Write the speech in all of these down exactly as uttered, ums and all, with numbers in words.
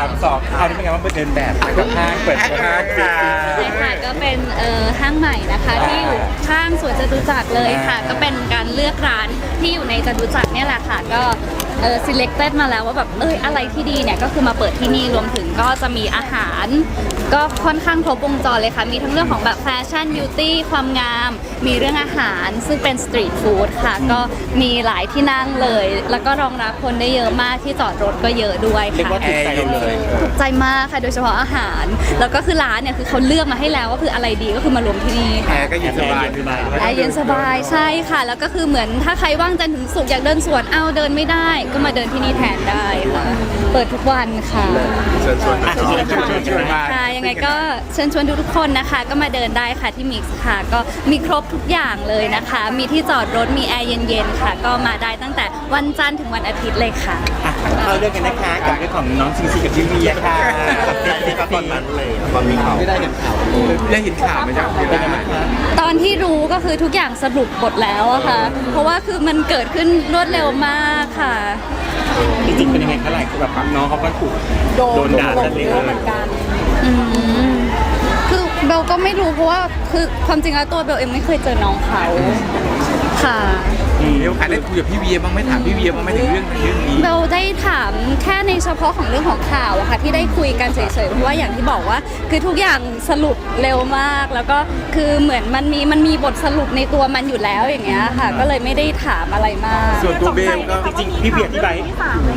ามสองคราวนี้เป็นไงบ้างไปเดินแบบกับห้างเปิดห้างค่ะใช่ค่ะก็เป็นเอ่อห้างใหม่นะคะที่อยู่ข้างสวนจตุจักรเลยค่ะก็เป็นการเลือกร้านที่อยู่ในจตุจักรเนี่ยแหละค่ะก็เออ selected มาแล้วว่าแบบเอ้ยอะไรที่ดีเนี่ยก็คือมาเปิดที่นี่รวมถึงก็จะมีอาหาร ก็ค่อนข้างครบวงจรเลยค่ะมีทั้งเรื่องของแบบแฟชั่นบิวตี้ความงามมีเรื่องอาหารซึ่งเป็นสตรีทฟู้ดค่ะก็มีหลายที่นั่งเลย แล้วก็รองรับคนได้เยอะมากที่จอดรถก็เยอะด้วยเรียกค่ะว่าถูกใจเราเลยถูกใจมากค่ะโดยเฉพาะอาหาร แล้วก็คือร้านเนี่ยคือเขาเลือกมาให้แล้วว่าคืออะไรดีก็คือมารวมที่นี่แอร์ก็เย็นสบายแอร์เย็นสบายใช่ค่ะ แล้วก็คือเหมือนถ้าใครว่างจันทร์ถึงศุกร์อยากเดินสวนเอาเดินไม่ได้ ก็มาเดินที่นี่แทนได้ค่ะเปิดทุกวันค่ะเชิญชวนอ่ะเชิญชวนเชิญชวนมาค่ะยังไงก็เชิญชวนทุกๆคนนะคะ ก็มาเดินได้ค่ะที่มิกซ์ค่ะก็มีครบทุกอย่างเลยนะคะ มีที่จอดรถมีแอร์เย็นๆค่ะ ก็มาได้ตั้งแต่วันจันทร์ถึงวันอาทิตย์เลยค่ะอ่ะเอาเรื่องกันนะคะกับเรื่องของน้องซิงซีกับพี่เวียค่ะตอนนั้นเลยตอนมีข่าวไม่ได้เห็นข่าวได้เห็นข่าวไหมจ๊ะเป็นไงบ้างคะตอนที่รู้ก็คือทุกอย่างสรุปหมดแล้วอะค่ะ เพราะว่าคือมันเกิดขึ้นรวดเร็วมากค่ะจริงๆเป็นยังไงคะหลายคนแบบน้องเขาก็ถูกโดนด่าซะเลยเหมือนกันอืมคือเบลก็ไม่รู้เพราะว่าคือความจริงแล้วตัวเบลเองไม่เคยเจอน้องเขาค่ะเดี๋ยวได้คุยกับพี่เวียบ้างไหมถามพี่เวียบ้างไหมถึงเรื่องเรื่องนี้เบลได้ถามแค่ในเฉพาะของเรื่องของข่าวอะค่ะที่ได้คุยกันเฉยๆเพราะว่าอย่างที่บอกว่าคือทุกอย่างสรุปเร็วมาก แล้วก็คือเหมือนมันมีมันมีบทสรุปในตัวมันอยู่แล้วอย่างเงี้ยค่ะ ก็เลยไม่ได้ถามอะไรมากส่วนตัวเบลก็จริงๆพี่เวียอธิบายให้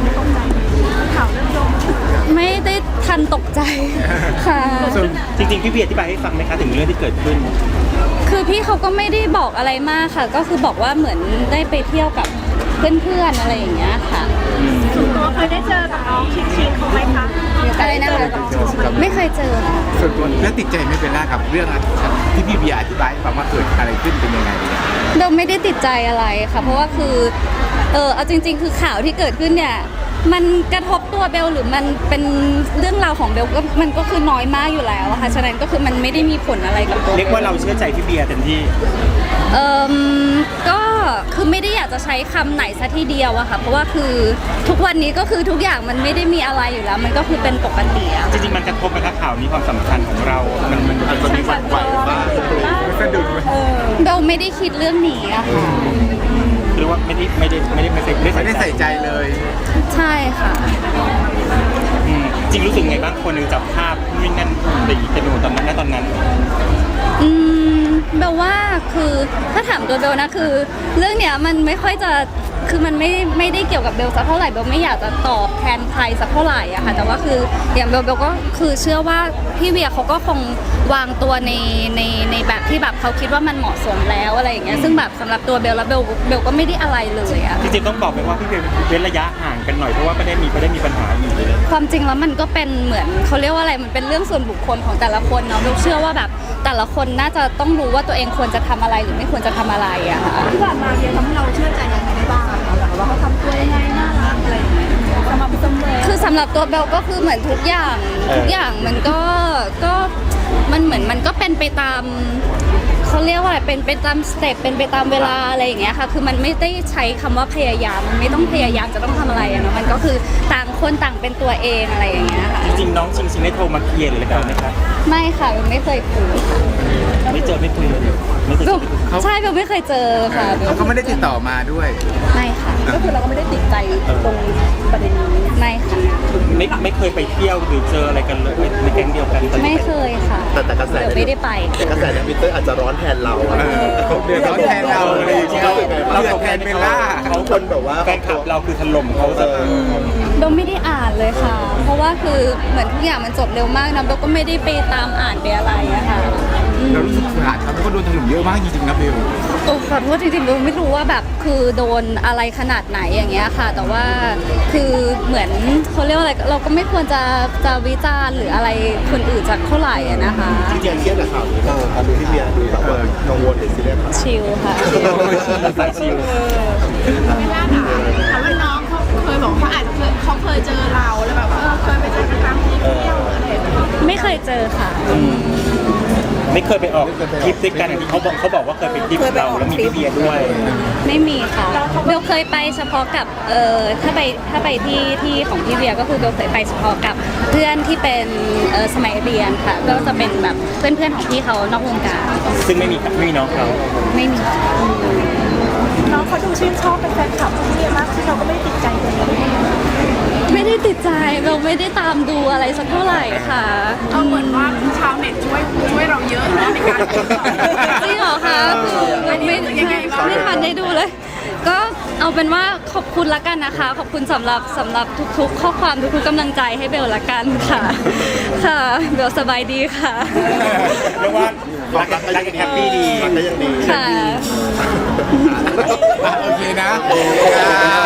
ไม่ได้ทันตกใจค่ะจริงๆพี่เวียอธิบายให้ฟังไหมคะถึงเรื่องที่เกิดขึ้นคือพี่เขาก็ไม่ได้บอกอะไรมากค่ะ ก็คือบอกว่าเหมือนได้ไปเที่ยวกับเพื่อนๆอะไรอย่างเงี้ยค่ะส่วนตัวเคยได้เจอกับน้องชิงชิงเขาไหมคะอะไรนะคะไม่เคยเจอค่ะส่วนตัวแล้วติดใจไม่เป็นไรกับเรื่องที่พี่เวียอธิบายให้ฟังว่าเกิดอะไรขึ้นเป็นยังไงเบลไม่ได้ติดใจอะไรค่ะ เพราะว่าคือเออเอาจริง ๆ คือข่าวที่เกิดขึ้นเนี่ยมันกระทบตัวเบลหรือมันเป็นเรื่องราวของเบลก็มันก็คือน้อยมากอยู่แล้วอะค่ะฉะนั้นก็คือมันไม่ได้มีผลอะไรกับตัวเรียกว่าเราเชื่อใจพี่เบียร์เต็มที่เออก็คือไม่ได้อยากจะใช้คำไหนซะทีเดียวอะค่ะเพราะว่าคือทุกวันนี้ก็คือทุกอย่างมันไม่ได้มีอะไรอยู่แล้ว มันก็คือเป็นปกติอะจริงๆมันกระทบไหมคะข่าวนี้ความสำคัญของเรา มันมันมันมีวันไหวบ้างสะดุดไหมเบลไม่ได้คิดเรื่องนี้อะค่ะหรือว่าไม่ได้ไม่ได้ไม่ได้ไม่ได้ไม่ได้ใส่ใจเลยใช่ค่ะอืมจริงรู้สึกไงบ้างคนหนึงจับภาพนู่นนั่นตีกันอยู่ตอนนั้นณตอนนั้นอืมเบลว่าคือถ้าถามตัวเบลนะคือ เรื่องเนี้ยมันไม่ค่อยจะคือมันไม่ไม่ได้เกี่ยวกับเบลสักเท่าไหร่เบลไม่อยากจะตอบแทนใครสักเท่าไหร่อะค่ะแต่ว่าคืออย่างเบลเบลก็คือเชื่อว่าพี่เวียเขาก็คงวางตัวในในในแบบที่แบบเขาคิดว่ามันเหมาะสมแล้วอะไรอย่างเงี้ยซึ่งแบบสำหรับตัวเบลแล้วเบลเบลก็ไม่ได้อะไรเลยอะจริงๆต้องบอกไปว่าพี่เบียร์เว้นระยะห่างกันหน่อยเพราะว่าไม่ได้มีไม่ได้มีปัญหาอยู่เลยความจริงแล้วมันก็เป็นเหมือนเขาเรียกว่าอะไรมันเป็นเรื่องส่วนบุคคลของแต่ละคนเนาะเบลเชื่อว่าแบบแต่ละคนน่าจะต้องรู้ว่าตัวเองควรจะทำอะไรหรือไม่ควรจะทำอะไรอะค่ะที่ผ่านมาเบียร์ทำให้เราเชื่อใจยังไงได้บ้างอะคะแบบว่าเขาทำตัวยังไงน่ารักอะไรอย่างเงี้ยสำหรับสมเลยคือสำหรับตัวเบลก็คือเหมือนทุกอย่างเออทุกอย่างมันก็ก็มันเหมือนมันก็เป็นไปตามเขาเรียกว่าอะไรเป็นไปตามสเต็ปเป็นไปตามเวลาอะไรอย่างเงี้ยค่ะคือมันไม่ได้ใช้คำว่าพยายามมันไม่ต้องพยายามจะต้องทำอะไรอะเนาะมันก็คือต่างคนต่างเป็นตัวเองอะไรอย่างเงี้ยค่ะจริงๆน้องชิงชิงได้โทรมาเคลียร์หรืออะไรกันไหมคะไม่ค่ะเบลไม่เคยคุยค่ะไม่เจอไม่คุยเลยไม่เคยเบเจลอใช่เบลไม่เคยเจอค่ะเบลเขาก็ไม่ได้ติดต่อมาด้วยไม่ค่ะก็คือเราก็ไม่ได้ติดใจตรงประเด็นนี้ไม่ค่ะไม่ไม่เคยไปเที่ยวหรือเจออะไรกันเลยในแก๊งเดียวกันตอนไม่นี้เคยค่ะแต่แต่กระแสเบลไม่ได้ไปแต่กระแสในทวิตเตอร์อาจจะร้อนแทนเราอะเออเขาเดือดร้อนแทนเราอะไรอย่างเงี้ยเราเดือดแทนเบลล่าเขาคนแบบว่าแฟนคลับเราคือถล่มเขาซะเบลไม่ได้อ่านเลยค่ะ เพราะว่าคือเหมือนทุกอย่างมันจบเร็วมากนะเบลก็ไม่ได้ไปตามอ่านไปอะไรอะค่ะอืมเรารู้สึกสงสารเขาเพราะเขาโดนถล่มเยอะมากจริงๆนะเบลโอ้ขอโทษจริงๆเบลไม่รู้ว่าแบบคือโดนอะไรขนาดไหนอย่างเงี้ยค่ะ แต่ว่าคือเหมือนเขาเรียกว่าอะไรเราก็ไม่ควรจะจะวิจารณ์หรืออะไรคนอื่นจากเท่าไหร่อะนะคะจริงๆเครียดกับข่าวนี้เราตอนดูที่เบียร์ดูแบบว่ากังวลหรือซีเรียสครับชิลค่ะสายชิลไม่น่าถามถามว่าน้องเขาเคยบอกเขาอาจจะเคยเขาเคยเจอเราแล้วแบบว่าเออเคยไปเจอกันตามที่เที่ยวอะไรอย่างเงี้ยไม่เคยเจอค่ะแไม่เคยไปออกทริปด้วยกันอย่างที่เขาบอกเขาบอกว่าเคยไปทริปเราแล้วมีพี่เบียร์ด้วยไม่มีค่ะเบลเคยไปเฉพาะกับเอ่อถ้าไปถ้าไปที่ที่ของพี่เบียร์ก็คือเบลเคยไปเฉพาะกับเพื่อนที่เป็นเอ่อสมัยเรียนค่ะก็จะเป็นแบบเพื่อนเพื่อนๆของพี่เขานอกวงการซึ่งไม่มีไม่มีน้องเขาไม่มีน้องเขาดูชื่นชอบเป็นแฟนคลับพี่เบียร์มากที่เราก็ไม่ได้ติดใจเลยไม่ได้ติดใจเบลไม่ได้ตามดูอะไรสักเท่าไหร่ค่ะเอาเหมือนว่าชาวเน็ตช่วยช่วยเราเยอะนะในการจริงเหรอคะคือเบลไม่ไม่ทันได้ดูเลย ก็เอาเป็นว่าขอบคุณละกันนะคะ ขอบคุณสำหรับสำหรับทุกๆ ข้อความทุกๆกำลังใจให้เบลละกันค่ะ ค่ะเบลสบายดีค่ะเรียกว่ารักกันรักกันแฮปปี้ดีมันก็ยังดีค่ะโอเคนะ